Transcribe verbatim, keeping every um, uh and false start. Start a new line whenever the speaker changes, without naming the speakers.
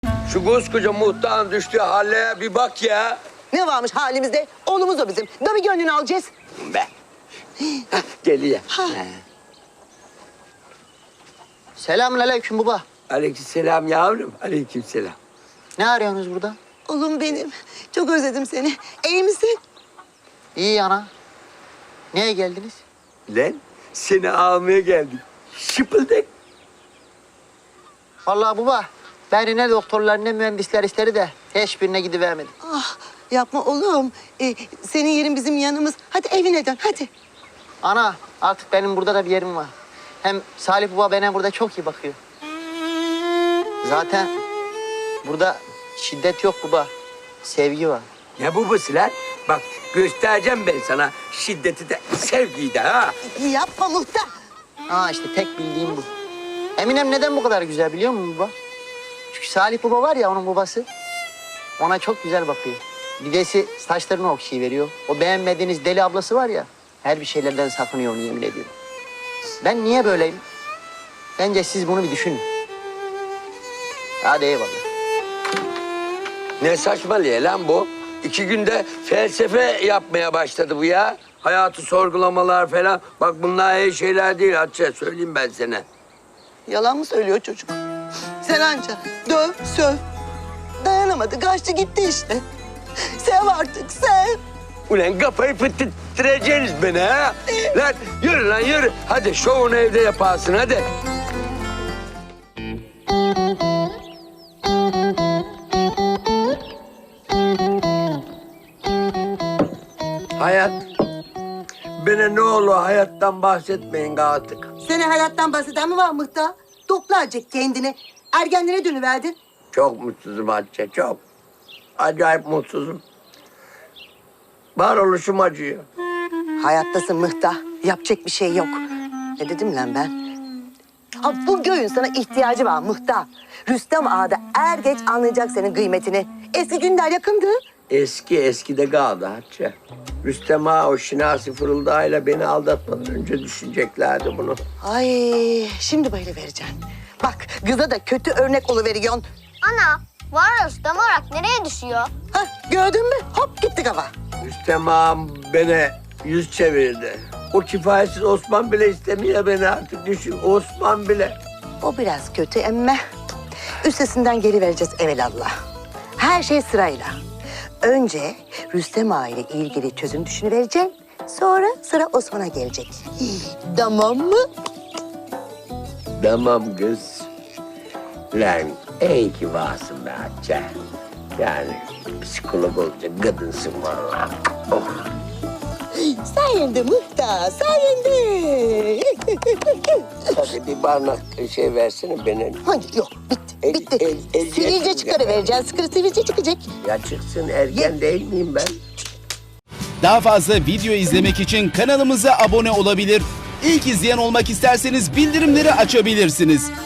Şu koskoca muhtarın düştüğü hale bir bak ya.
Ne varmış halimizde? Oğlumuz o bizim. Da bir gönlünü alacağız.
Be. Hah, geliyor.
Selamünaleyküm baba.
Aleykümselam yavrum. Aleykümselam.
Ne arıyorsunuz burada?
Oğlum benim. Çok özledim seni. İyi misin?
İyi ana. Niye geldiniz?
Lan seni almaya geldik. Şıpıldık.
Vallahi baba, beni ne doktorlar ne mühendisler istedi de hiçbirine gidivermedim.
Ah, yapma oğlum. Ee, senin yerin bizim yanımız. Hadi evine dön hadi.
Ana, artık benim burada da bir yerim var. Hem Salih baba bana burada çok iyi bakıyor. Zaten burada şiddet yok baba, sevgi var.
Ne babası lan? Bak göstereceğim ben sana şiddeti de sevgiyi de ha.
Yapma muhtar.
Aa işte tek bildiğim bu. Eminem neden bu kadar güzel biliyor musun baba? Çünkü Salih baba var ya onun babası. Ona çok güzel bakıyor. Dedesi saçlarını okşayıveriyor. O beğenmediğiniz deli ablası var ya, her bir şeylerden sakınıyor onu yemin ediyorum. Ben niye böyleyim? Bence siz bunu bir düşünün. Hadi eyvallah.
Ne saçmalıyor lan bu? İki günde felsefe yapmaya başladı bu ya. Hayatı sorgulamalar falan. Bak bunlar iyi şeyler değil Hatice. Söyleyeyim ben sana.
Yalan mı söylüyor çocuk? Sen anca döv, söv. Dayanamadı, kaçtı gitti işte. Sev artık, sev.
Ulan kafayı fıttırtacaksınız beni ha. Lan yürü lan yürü. Hadi şovunu evde yaparsın hadi. Hayat. Bana ne olur hayattan bahsetmeyin artık.
Seni hayattan bahseden mi var muhtar? Topla azıcık kendini. Ergenlere dönüverdin.
Çok mutsuzum Hatice, çok. Acayip mutsuzum. Varoluşum acıyor.
Hayattasın muhtar. Yapacak bir şey yok. Ne dedim lan ben? Ha, bu göğün sana ihtiyacı var muhtar. Rüstem Ağa da er geç anlayacak senin kıymetini. Eski günler yakındı.
Eski eskide kaldı Hatice. Rüstem Ağa o şinasi fırıldağıyla beni aldatmadan önce düşüneceklerdi bunu.
Ay şimdi böyle vereceksin. Bak kıza da kötü örnek oluveriyorsun.
Ana, var Rüstem olarak nereye düşüyor?
Ha, gördün mü? Hop gitti kafa.
Rüstem Ağam beni yüz çevirdi. O kifayetsiz Osman bile istemiyor beni artık düşün. Osman bile.
O biraz kötü emme. Üstesinden geri vereceğiz evelallah. Her şey sırayla. Önce Rüstem Ağa ile ilgili çözüm düşünüvereceksin. Sonra sıra Osman'a gelecek. Tamam mı?
Tamam kız. Lan iyi ki varsın be Hatice. Yani psikolog olacak kadınsın vallahi. Oh.
Sayende muhtar, sayende.
Hadi bir barnak şey versene bana.
Hayır yok, bitti,
El-
bitti.
el- el-
Sivilce
el-
çıkarıvereceksin, sıkırı sivilce çıkacak.
Ya çıksın ergen değil miyim ben?
Daha fazla video izlemek için kanalımıza abone olabilir. İlk izleyen olmak isterseniz bildirimleri açabilirsiniz.